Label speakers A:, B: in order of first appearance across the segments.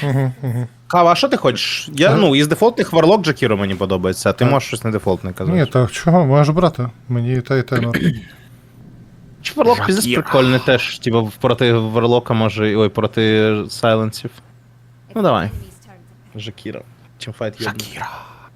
A: Кава, а що ти хочеш? Я, ну, із дефолтних Варлок Джакіро мені подобається, а ти можеш щось не дефолтне казати.
B: Ні, так чого, можеш брати. Мені і те норм.
A: Чи Варлок піздець прикольний теж, типу, проти Варлока може, ой, проти Сайленсів. Ну давай. Жакіро. Чим файт є. Жакіро.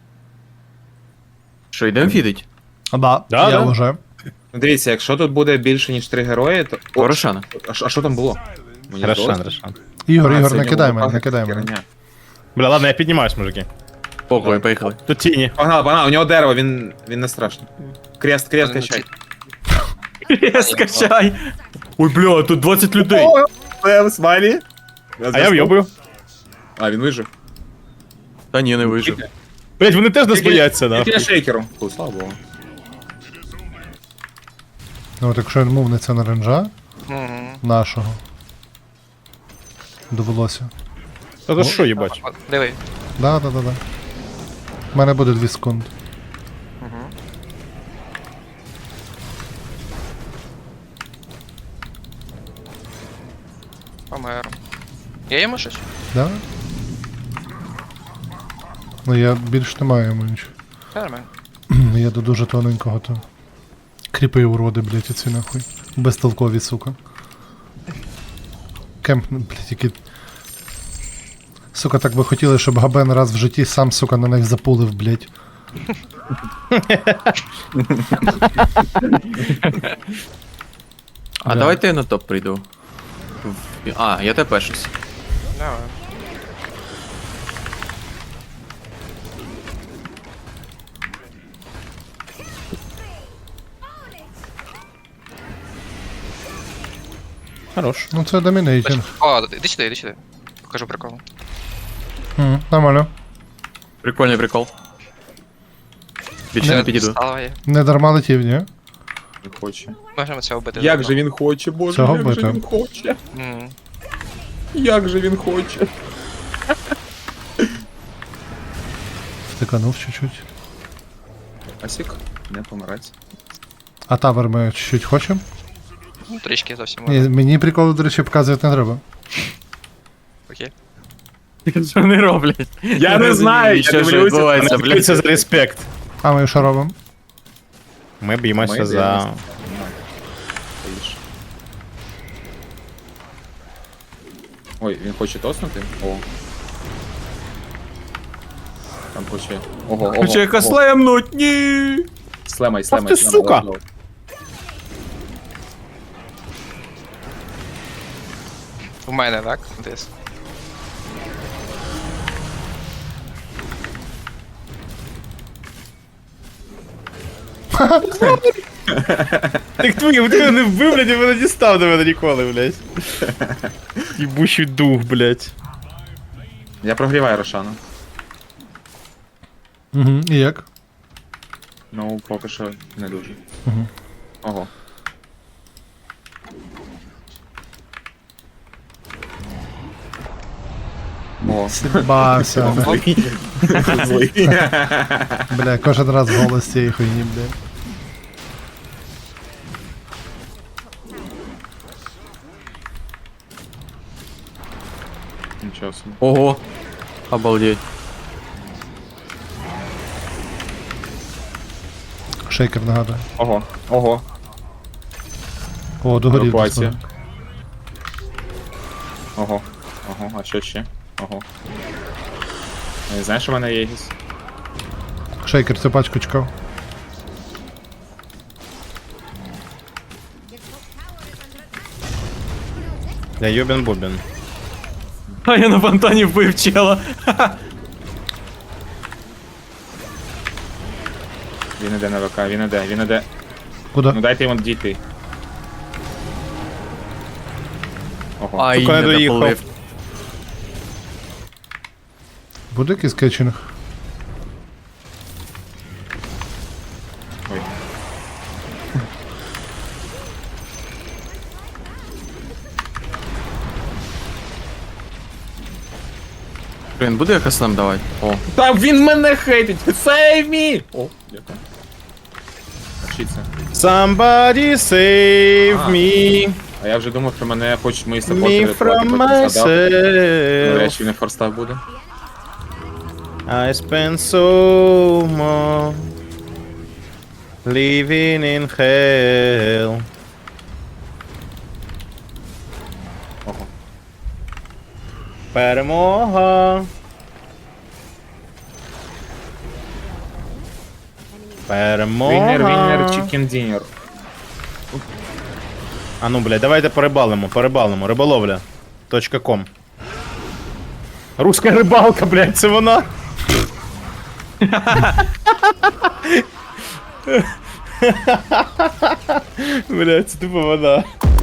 C: Що, йдемо фідить?
B: Да,
A: Да,
B: я
A: да.
B: вже.
D: Ну, дивіться, якщо тут буде більше, ніж 3 герої, то... О,
C: Рошана.
D: а що там було? Мені
A: Рошан,
D: здалося.
A: Рошан.
B: Ігор,
D: А,
B: Ігор,
D: це
B: не
D: в
B: кидай
D: нього
B: мене, не
D: пахне
B: кидай мене.
D: херня.
A: Бля, ладно, я піднімаюсь, мужики.
C: Похуй, поїхали.
A: Тут тіні.
D: Погнали, у нього дерево, він не страшний. Крест качай.
C: Скачай. Ой, бля, тут 20 людей.
D: Смайлі.
A: А я в'єбую.
D: А, він вижив.
C: Та ні, не вижив.
A: Блять, вони теж нас бояться,
D: Тільки
A: да.
D: на шейкеру. Фу, слава богу.
B: Ну от якщо він мовниться на ренджа нашого. Довелося.
A: Та то що, їбать?
E: Диви.
B: Да. У мене буде 2 секунди.
E: Помер. Є йому щось?
B: Да? Ну я більш не маю йому нічого.
E: Нормально.
B: Я до дуже тоненького то. Кріпи уроди, блять, оці нахуй. Безтолкові, сука. Кемп, блять, які. Сука, так би хотіли, щоб Габен раз в житті сам, сука, на них запулив, блять.
C: А
B: Да.
C: давайте я на топ прийду. А, я тебе щось.
E: Давай.
A: Хорош.
B: Ну це домінейтінг.
E: О, іди сюди, іди сюди. Покажу прикол.
B: Нормально.
C: Прикольний прикол. Більше не підійду.
E: Сталоє.
B: Не дарма летів, ні?
D: Не хоче.
E: Можемо цього вбити.
D: Як же він хоче, боже,
B: Цього
D: як же
B: бити.
D: він хоче.
E: Мгм.
D: Як же він хоче.
B: Втиканув чуть-чуть.
D: Асік, не помирать.
B: А тавер ми чуть-чуть хочемо?
E: Ну, трішки зовсім.
B: Ні, мені приколи, до речі, показувати не треба.
E: Окей.
C: Що вони роблять?
D: Я не знаю, я
C: що
D: дивлюся.
C: відбувається, блядь.
A: Це за респект.
B: А ми що робимо?
A: Ми б'ємося
D: Ми
A: за...
D: б'ємося. Ой, він хоче тоснути? О. Там хоче. Ого.
C: Хоче його слемнуть, ні!
D: Слемай.
A: ти, сука!
E: У мене, так? Десь.
A: Так твої, ти не вбив, блядь, і мене дістав до мене ніколи, блядь. Їбучий дух, блядь.
D: Я прогріваю Рошану.
B: Угу. І як?
D: Ну, поки що не дуже.
B: Мгм.
D: Ого. О.
B: Бався.
D: Злий.
B: Бля, кожен раз голос цієї хуйні, бля.
D: Нічого собі.
C: Ого. Обалдеть.
B: Шейкер нагадує.
D: Ого.
B: О, догорів.
D: Евакуація.
B: десь.
D: Ого. А що ще? Ого. Не знаєш, що в мене є Єгіс?
B: Шейкер цю пачку чекав.
A: Я Йобін Бобін.
C: А я на фонтані вбив чела.
D: Він іде на ВК, він іде.
B: Куди?
D: Ну дайте йому дійти. Ого.
C: Ай,
A: Сука,
C: не
A: я доїхав.
C: дополив.
B: Буде якийсь кетчинг?
D: Ой.
C: Блін, буде якось нам давати? О.
D: Та він мене хейтить! Save me! О, дякую. Вчиться.
A: Somebody save
D: А.
A: me.
D: А я вже думав, що мене хочуть мої
A: Me
D: саппортери рятувати,
A: from
D: потім згадав. Ну,
A: myself.
D: чи не форстав буде.
A: I spend so much living in hell.
D: Ого.
A: Перемога. Перемога.
D: Віннер, чікен дінер.
A: А ну, блядь, давайте порибалимо. Риболовля. .com. Руська рибалка, блядь, це вона. Блядь, це типу вона.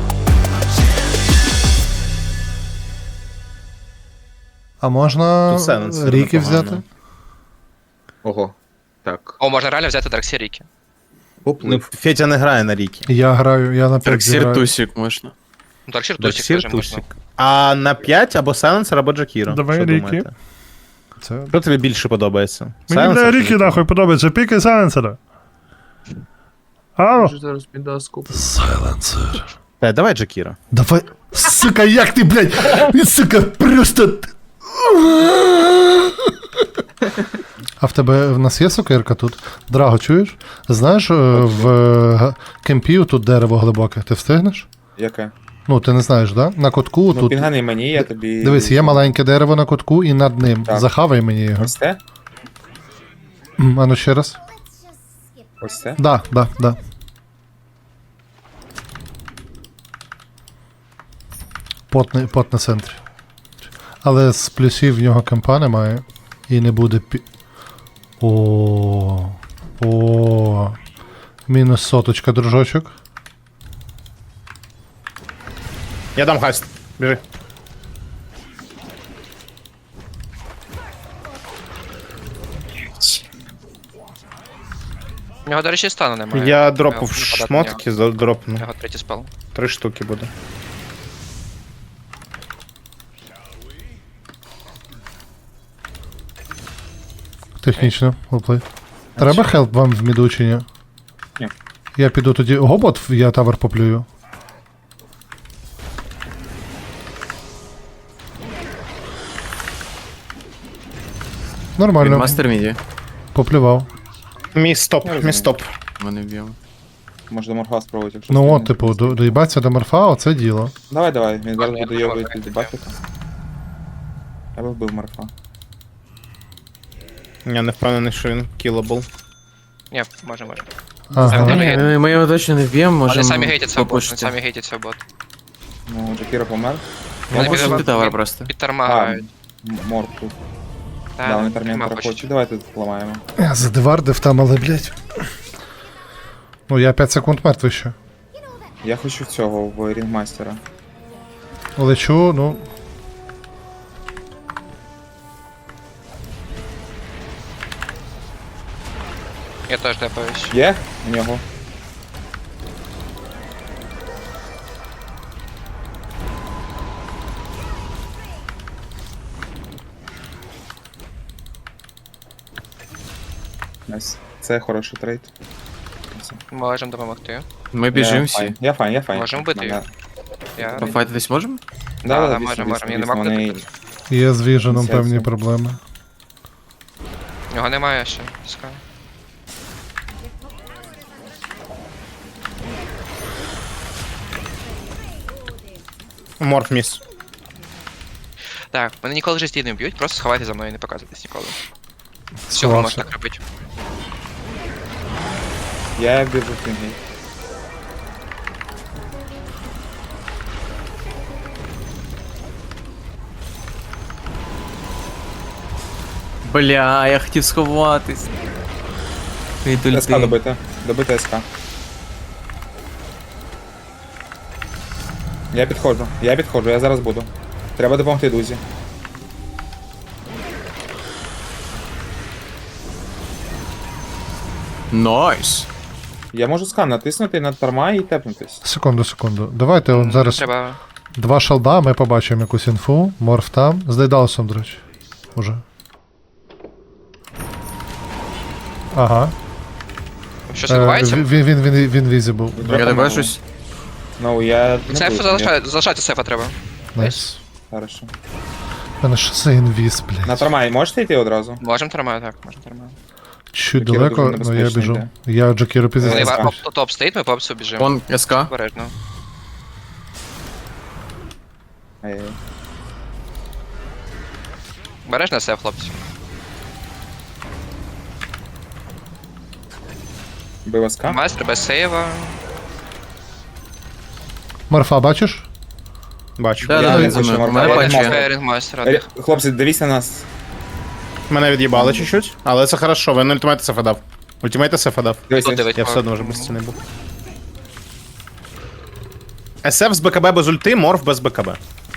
B: А можна
A: Тут Сайленсер
B: ріки
A: непогано.
B: взяти?
D: Ого. Так.
E: О, можна реально взяти Дарксі Ріки.
A: Ну,
D: Поплив.
A: Фетя не грає на ріки.
B: Я граю, я на 5
C: Траксір
B: граю.
C: тусік можна.
E: Ну, Дарксір Тусік
A: Дарксір
E: теж можна.
A: Тусік. А на 5 або Сайленсер, або Джакіро.
B: Давай
A: Що
B: Ріки.
A: думаєте?
B: Це...
A: Що тобі більше подобається?
B: Мені
A: Сайленсер
B: для
A: чи
B: ріки
A: Джакіро?
B: нахуй подобається, пікай сайленсера. Алло?
C: Зараз піду скуп.
B: Сайленсер.
A: Давай Джакіро.
B: Давай, сука, як ти, блядь, сука, просто... А в тебе, в нас є сокирка тут? Драго, чуєш? Знаєш, в кемпі тут дерево глибоке, ти встигнеш?
D: Яке?
B: Ну, ти не знаєш, да? На кутку
D: Ну,
B: тут...
D: пінгани мені, я тобі...
B: Дивись, є маленьке дерево на кутку і над ним.
D: Так.
B: Захавай мені його.
D: Ось це?
B: А ну ще раз.
D: Ось це?
B: Да. Пот на центрі. Але з плюсів в нього кемпа немає. І не буде О. Мінус соточка, дружочок.
A: Я дам хаст. Біжи.
E: У нього, до речі, стану немає.
A: Я дропав
E: Нападати на
A: шмотки,
E: нього.
A: дропну.
E: У нього третій спал.
A: 3 штуки буде.
B: Технічно, уплей. Треба хелп вам в міду чи ні?
D: Ні.
B: Я піду тоді. Гобот, я тавер поплюю.
C: Він
B: Нормально,
C: мастер міді.
B: поплював.
A: Мій стоп.
C: Мене вб'ємо.
D: Може до морфа спробувати, якщо
B: Ну
D: встигне.
B: от, типу, доїбатися до морфа, оце діло.
D: Давай, він зараз
E: Я
D: буде
E: не
D: його
E: можу,
D: від
E: я
D: бафіка. Я би вбив морфа.
A: Я не впевнений, що він кілабл.
E: Ні, може.
B: Ага.
C: Ми його точно не вб'ємо,
E: Вони
C: можемо
E: самі гейтять свого бот, вони
C: попушити.
E: самі гейтять свого бот.
D: Ну, Джакіро помер.
E: Вони
C: Можемо
E: біля-
C: пушити тавер просто.
E: Під тарма грають.
D: Морф тут.
E: Та,
D: Да, вони
E: нема
D: термінатора
E: почти.
D: хочуть. Давайте тут поламаємо.
B: Я задевардив там, але, блядь. Ну, я 5 секунд мертвий ще.
D: Я хочу цього в рінгмастера.
B: Лечу, ну.
E: Я теж депаюсь.
D: Є? У нього. Найс. Це хороший трейд.
E: Ми можемо допомогти.
C: Ми біжимо всі.
D: Я файн.
E: Можемо бити
D: Мене-
E: Я...
C: Пофайтитись можемо?
E: Да,
D: Да,
E: можемо, я нема куди
D: вони...
E: піти.
B: Є з віженом
D: Сенсу.
B: певні проблеми.
E: У нього немає ще. Пускай.
A: Морф міс.
E: Так, мене ніколи в житті не б'ють, просто сховайте за мною і не показуйтесь ніколи. Всього
B: Сховався.
E: можна так робити.
D: Я біжу в кінгі.
C: Бля, я хотів сховатись. Від
D: СК добити. Добити СК. Я підходжу, я зараз буду. Треба допомогти Дузі.
C: Найс.
D: Я можу скан натиснути на тарма і тепнутись.
B: Секунду. Давайте от зараз
E: Треба...
B: 2 шалда, ми побачимо якусь інфу. Морф там. З Дейдалусом, до речі. Уже. Ага.
E: Щось відбувається?
B: Він visible.
C: Я тебе щось.
D: Ну, я не
E: Сеф
D: буду.
E: залишайте сефа треба.
B: Найс.
D: Хорошо.
B: У мене що за інвіз, блядь?
D: На тормай можете йти одразу?
E: Можемо тримати, так, можемо тримати.
B: Чуть
D: Джакіро
B: далеко,
D: дуже
B: але я
D: небезпечний
B: біжу.
D: йде.
B: Я Джакіру піздець.
E: Вони
D: скажеш.
E: топ стоїть, ми по опсу біжимо.
C: Вон СК.
E: Обережно.
D: Ай-яй.
E: Обережно сеф, хлопці.
D: Бив СК?
E: Майстер без сейва.
B: Марфа, бачиш?
A: Бачу.
C: Да,
D: Я
C: да,
D: не
C: він за
D: хочу
C: мною. У
D: морфа.
C: мене
D: Я
C: патчі.
D: можу.
E: Фейрінг майстер.
D: Хлопці, дивіться на нас.
A: Мене від'їбали чуть-чуть, але це хорошо, він ультимейт сефа дав. Ультимейт сефа дав.
D: Дивіться.
E: Тут
A: Я все одно вже без стіни був. СФ з БКБ без ульти, морф без БКБ.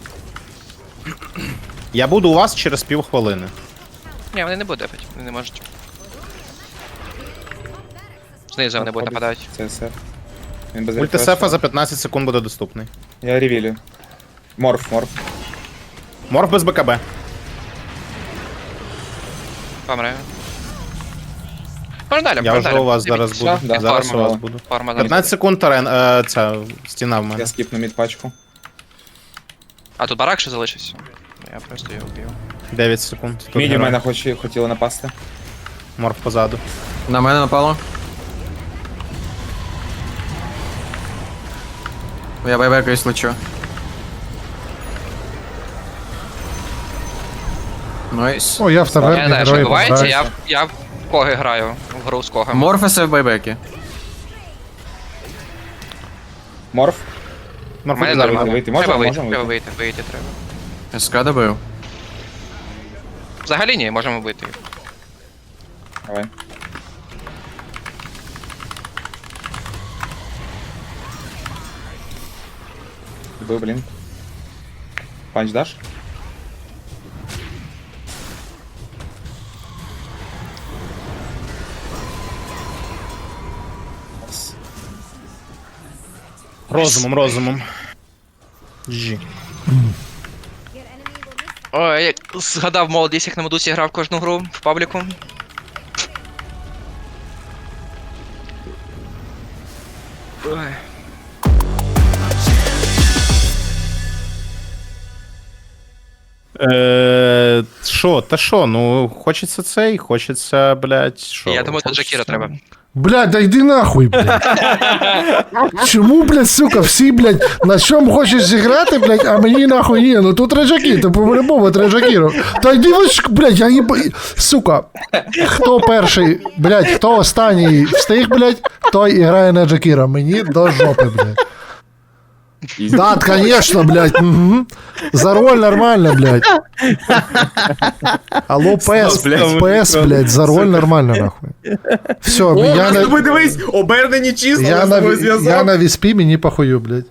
A: Я буду у вас через півхвилини.
E: Ні, вони не будуть дефать, вони не можуть. Знизу вони будуть нападати.
D: Це СФ. Він без
A: Ульти
D: рефрешу.
A: сефа за 15 секунд буде доступний.
D: Я ревілю. Морф.
A: Морф без БКБ.
E: Помре. Можна далі,
A: Я
E: можна
A: вже
E: далі.
A: у вас зараз
D: Все,
A: буду.
D: да,
A: Зараз у
D: форма.
A: вас буду.
E: Форма
A: 15 секунд терен, ця стіна в мене.
D: Я скіпну мід пачку.
E: А тут барак ще залишився. Я просто його вб'ю.
A: 9 секунд. Тут
D: Міді в
A: герой.
D: мене хотіли напасти.
A: Морф позаду.
C: На мене напало. Я байбекаюсь лечу. Найс.
B: О, я в
E: Я
B: таверні,
E: не знаю, що
B: герої
E: відбувається,
B: помирають.
E: я в коги граю, в гру з когом.
C: Морфеси в байбекі.
D: Морф.
A: Морф
E: Мене
A: позаду.
E: нормально.
D: вийти.
E: Треба
D: Можемо
E: вийти,
D: вийти?
E: треба вийти треба.
C: СК добив.
E: Взагалі ні, можемо вийти.
D: Давай. Бив, блін. Панч даш? Ось.
A: Розумом. Жі.
E: Ой, я згадав молодість, як на Медусі грав кожну гру в пабліку. Ой.
A: Шо, та шо, ну, хочеться цей, хочеться, блядь, шо.
E: Я думаю, тут Джакіра треба.
B: Блядь, да йди нахуй, блядь. Чому, блядь, сука, всі, блядь, на чому хочеш зіграти, блядь, а мені нахуй ні, ну тут Реджакі, то по-любому Реджакіро. Та йди ви ж, блядь, я не сука. Хто перший, блядь, хто останній встиг, блядь, той і грає на Джакіра. Мені до жопи, блядь. Да, конечно, блядь, угу. За роль нормально, блядь. Алло, ПС, ПС, блядь, за роль нормально, нахуй. Все, я на...
D: Дивись, обернені числа,
B: Я на віспі, мені похую, блядь.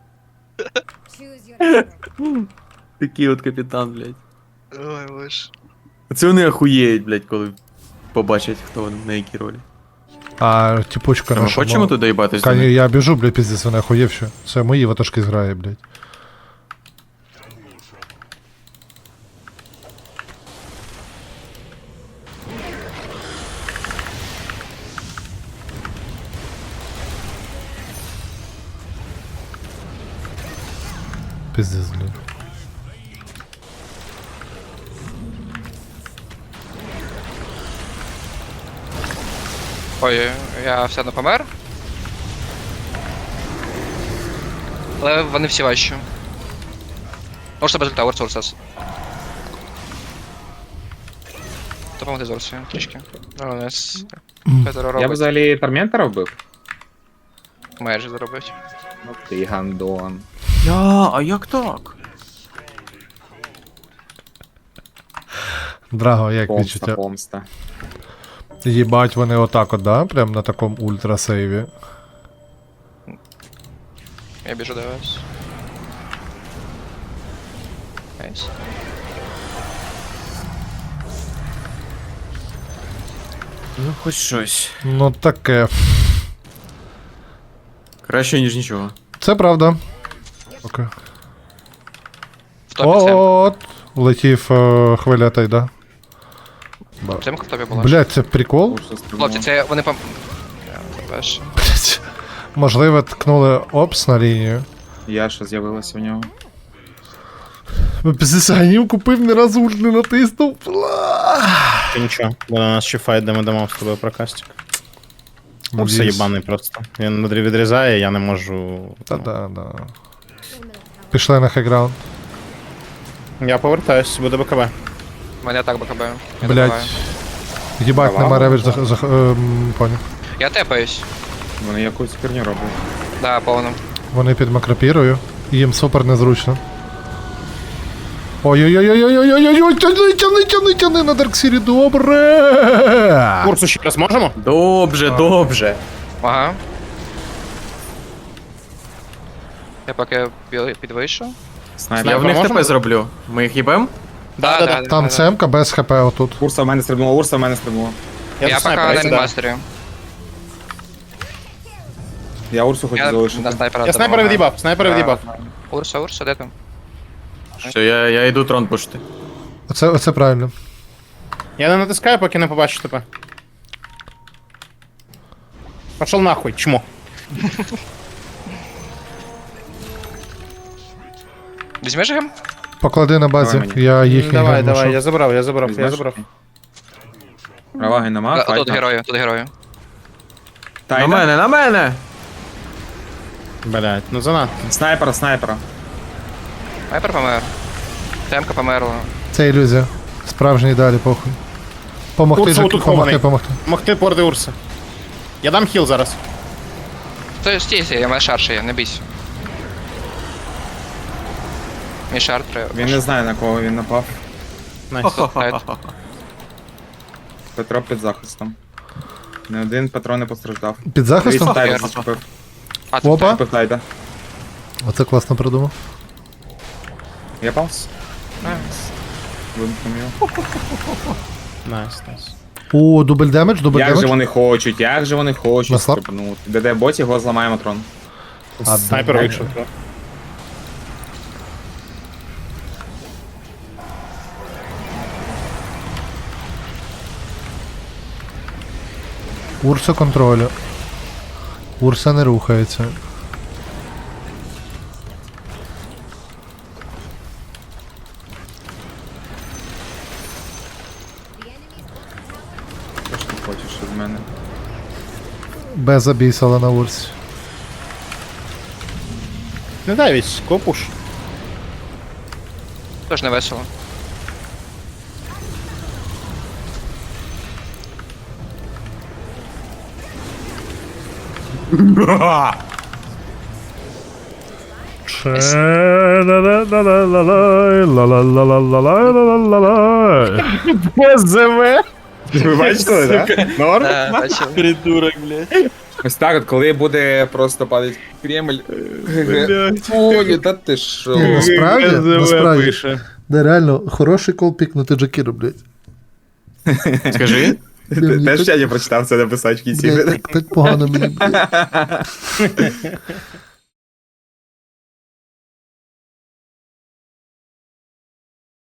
C: Такий от капітан, блядь.
E: Ой, боже.
C: Це вони охуєють, блядь, коли побачать, хто вони, на якій ролі.
B: А типучка
C: Ми
B: наша.
C: хочемо туди їбатись? до
B: Кані,
C: них?
B: я біжу, блядь, пиздець, вона охуєв що. Це мої ватажки зграє, блядь. Пиздец, блядь.
E: Ой, я все одно помер. Але вони всі важчі. Можете без ульта, Урсурсас. Допомогти Зорсу трішки. Ну, у нас Петро
D: Я б
E: робить.
D: взагалі Торментора вбив.
E: Майже заробить.
D: Ну ти гандон.
C: А як так?
B: Драго, як
D: Помста,
B: відчуття?
D: помста.
B: Їбать, вони отак от, да? Прям на такому ультрасейві.
E: Я біжу до вас. Найс.
C: Ну, хоч щось.
B: Ну таке.
C: Краще, ніж нічого.
B: Це правда. Окей.
E: В топі Семка.
B: От, влетів хвиля тайда.
E: Семка в топі була.
B: Блять, це прикол?
E: Хлопці, це вони пом... Я, це перше.
B: Блять. Можливо, ткнули опс на лінію.
D: Яша з'явилася у нього.
B: Після купив, ні разу ульт не натиснув. Бла.
A: Ти нічого, бо на нас ще файт, де ми дамо з тобою прокастик. Урса
B: Надіюсь.
A: єбаний просто. Він відрізає, я не можу.
B: Та да, да. Пішли на хайграунд.
A: Я повертаюсь, буде БКБ.
E: У мене так БКБ. Я
B: Блять.
E: добиваю.
B: Їбать,
D: Давай,
B: нема ревич
D: давай.
B: поняв.
E: Я тепаюсь.
D: Вони якусь херню роблять.
E: Да, повно.
B: Вони під макропірою, і їм супер незручно. Ой-ой-ой-ой-ой-ой-ой-ой, тяни на Дарксірі, добре!
A: Урсу ще раз можемо?
C: Добре.
E: Ага. Я поки підвийшов.
D: Снайпер.
C: Я в них
A: можемо?
C: ТП зроблю. Ми їх їбем?
E: Да.
B: Там цемка без хп отут.
D: Урса в мене стрибнула, Урса в мене стрибнула.
E: Я
A: до
E: поки
A: снайпера,
E: на
A: я сюди.
E: мінмастері.
D: Я Урсу хочу
E: Я
D: залишити.
E: на снайпера
A: Я снайпера
E: допомагаю.
A: від'їбав, снайпера від'їбав.
E: Урса, де там?
C: Все, я йду трон пушити.
B: Оце правильно.
A: Я не натискаю, поки не побачу тебе. Пошел нахуй, чмо.
E: Візьмеш гем?
B: Поклади на базі,
D: Давай мені.
B: я їхній
A: Давай,
B: гем
A: давай,
B: знайшов.
A: я забрав.
D: Візьмеш? Раваги нема,
E: Тут
D: файт.
E: герою.
C: На мене!
A: Блять, ну занадто.
D: Снайпера.
E: Снайпер помер. Темка померла.
B: Це ілюзія. Справжній далі, похуй. Помогти,
A: Урса
B: Жаки,
A: отут хований.
B: помогти.
A: Могти порди Урса. Я дам хіл зараз.
E: Стій, я маю шар ще є, не бійся. Мій шар треба.
D: Він не знає на кого він напав.
A: Найс.
D: Петро під захистом. Не один Петро не постраждав.
B: Під захистом?
D: Дивіться, Тайда
E: Охуєр.
D: зачепив.
E: А, це
B: Опа.
D: Зачепив Тайда.
B: Оце класно придумав.
D: Я палс. Вимкнув його.
A: Найс.
B: О, дубль демедж.
D: Як же вони хочуть
B: На слаб?
D: стрибнути. ДД боті, його зламаємо трон.
A: Снайпер вийшов.
B: Урса контролю. Урса не рухається.
D: Що ж ти хочеш від мене?
B: Без обісала на урсі.
A: Не дай вісь, копуш.
E: теж не весело.
A: ПЗВ.
D: Ви бачите, так?
A: Норм?
E: Бачив.
C: Придурок, блядь.
D: Ось так от, коли буде просто падати Кремль. Ой, та ти що?
B: Насправді, да, реально, хороший кол пікнути Джакіру, блядь.
C: Скажи.
B: Блін,
D: Теж я не прочитав це написати в кінці.
B: Блядь, так погано мені, блядь.